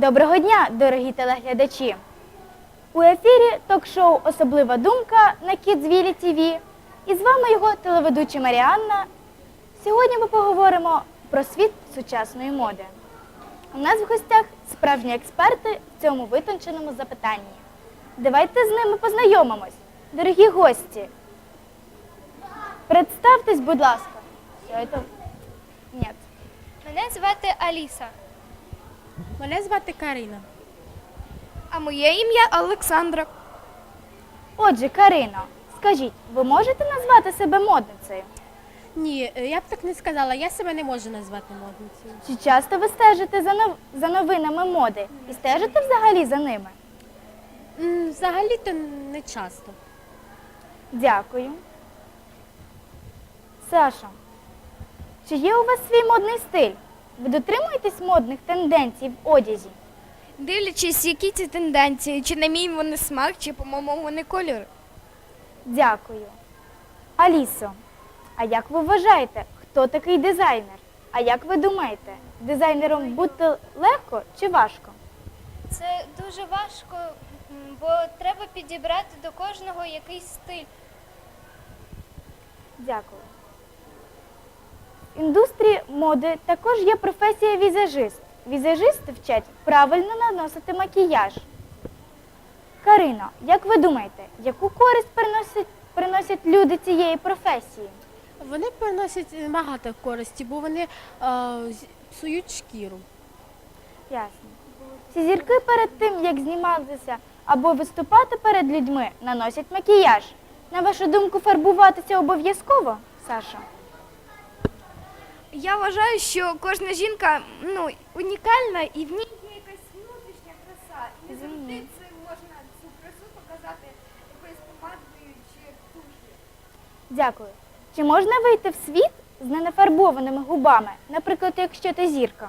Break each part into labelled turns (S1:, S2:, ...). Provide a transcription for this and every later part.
S1: Доброго дня, дорогі телеглядачі! У ефірі ток-шоу «Особлива думка» на Kidsville TV. І з вами його телеведуча Маріанна. Сьогодні ми поговоримо про світ сучасної моди. У нас в гостях справжні експерти в цьому витонченому запитанні. Давайте з ними познайомимось. Дорогі гості, представтесь, будь ласка. Ні.
S2: Мене звати Аліса.
S3: Мене звати Карина.
S2: А моє ім'я Олександра.
S1: Отже, Карино, скажіть, ви можете назвати себе модницею?
S3: Ні, я б так не сказала, я себе не можу назвати модницею.
S1: Чи часто ви стежите за новинами моди і стежите взагалі за ними?
S3: Взагалі-то не часто.
S1: Дякую. Сашо, чи є у вас свій модний стиль? Ви дотримуєтесь модних тенденцій в одязі?
S2: Дивлячись, які ці тенденції, чи на мій вони смак, чи по моєму вони кольору.
S1: Дякую. Алісо, а як ви вважаєте, хто такий дизайнер? А як ви думаєте, дизайнером бути легко чи важко?
S2: Це дуже важко, бо треба підібрати до кожного якийсь стиль.
S1: Дякую. В індустрії моди також є професія візажист. Візажисти вчать правильно наносити макіяж. Карино, як ви думаєте, яку користь приносять люди цієї професії?
S3: Вони приносять багато користі, бо вони псують шкіру.
S1: Ясно. Ці зірки перед тим, як зніматися або виступати перед людьми, наносять макіяж. На вашу думку, фарбуватися обов'язково, Саша?
S2: Я вважаю, що кожна жінка унікальна і в ній є якась внутрішня краса. І не завжди це можна цю красу показати якоюсь помадою чи туш'ю.
S1: Дякую. Чи можна вийти в світ з ненафарбованими губами, наприклад, якщо ти зірка?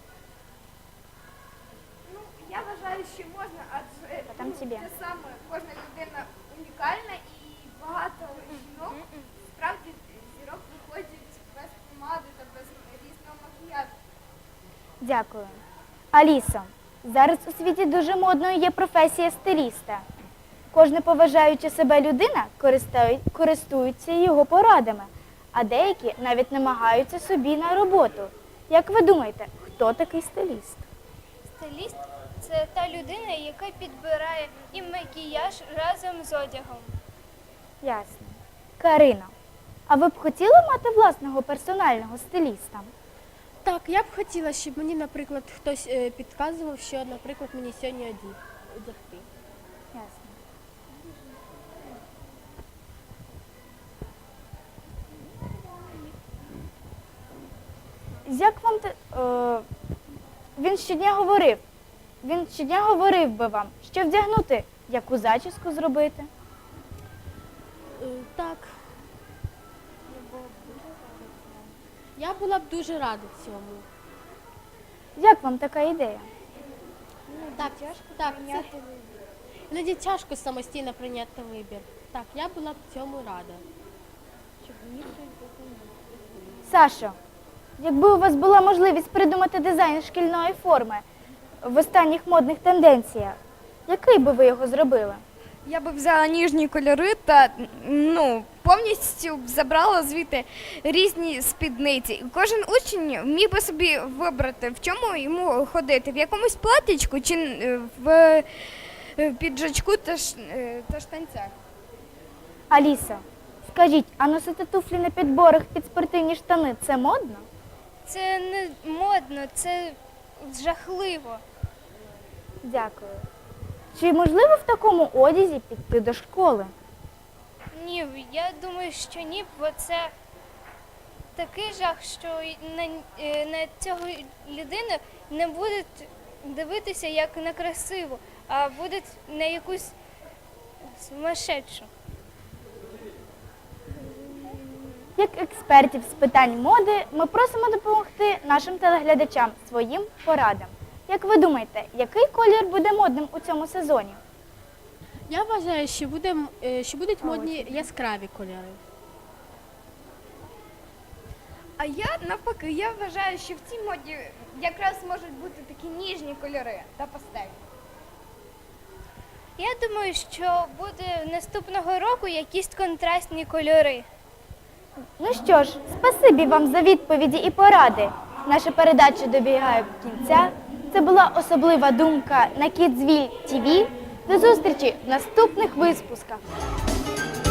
S2: Я вважаю, що можна, адже
S1: Там тебе.
S2: те саме кожна людина унікальна і багато жінок справді зірок виходять без помади та без різного макіяжу.
S1: Дякую. Алісо, зараз у світі дуже модною є професія стиліста. Кожна поважаюча себе людина користується його порадами, а деякі навіть намагаються собі на роботу. Як ви думаєте, хто такий стиліст?
S2: Стиліст – це та людина, яка підбирає і макіяж разом з одягом.
S1: Ясно. Карино, а ви б хотіли мати власного персонального стиліста?
S3: Так, я б хотіла, щоб мені, наприклад, хтось підказував, що, наприклад, мені сьогодні одягти.
S1: Ясно. Як вам він щодня говорив би вам, що вдягнути, яку зачіску зробити?
S3: Так. Я була б дуже рада цьому.
S1: Як вам така ідея?
S3: Так, іноді тяжко самостійно прийняти вибір. Так, я була б цьому рада.
S1: Сашо, якби у вас була можливість придумати дизайн шкільної форми в останніх модних тенденціях, який би ви його зробили?
S2: Я би взяла ніжні кольори та повністю б забрала звідти різні спідниці. Кожен учень міг би собі вибрати, в чому йому ходити, в якомусь платічку чи в піджачку та штанцях.
S1: Алісо, скажіть, а носити туфлі на підборах під спортивні штани – це модно?
S2: Це не модно, це жахливо.
S1: Дякую. Чи можливо в такому одязі піти до школи?
S2: Ні, я думаю, що ні, бо це такий жах, що на цього людину не будуть дивитися як на красиву, а будуть на якусь сумасшедшу.
S1: Як експертів з питань моди, ми просимо допомогти нашим телеглядачам своїм порадам. Як ви думаєте, який колір буде модним у цьому сезоні?
S3: Я вважаю, що будуть модні яскраві кольори.
S2: А я навпаки, я вважаю, що в цій моді якраз можуть бути такі ніжні кольори та пастель.
S4: Я думаю, що буде наступного року якісь контрастні кольори.
S1: Ну що ж, спасибі вам за відповіді і поради. Наша передача добігає кінця. Це була особлива думка на Kidsville TV. До зустрічі в наступних випусках.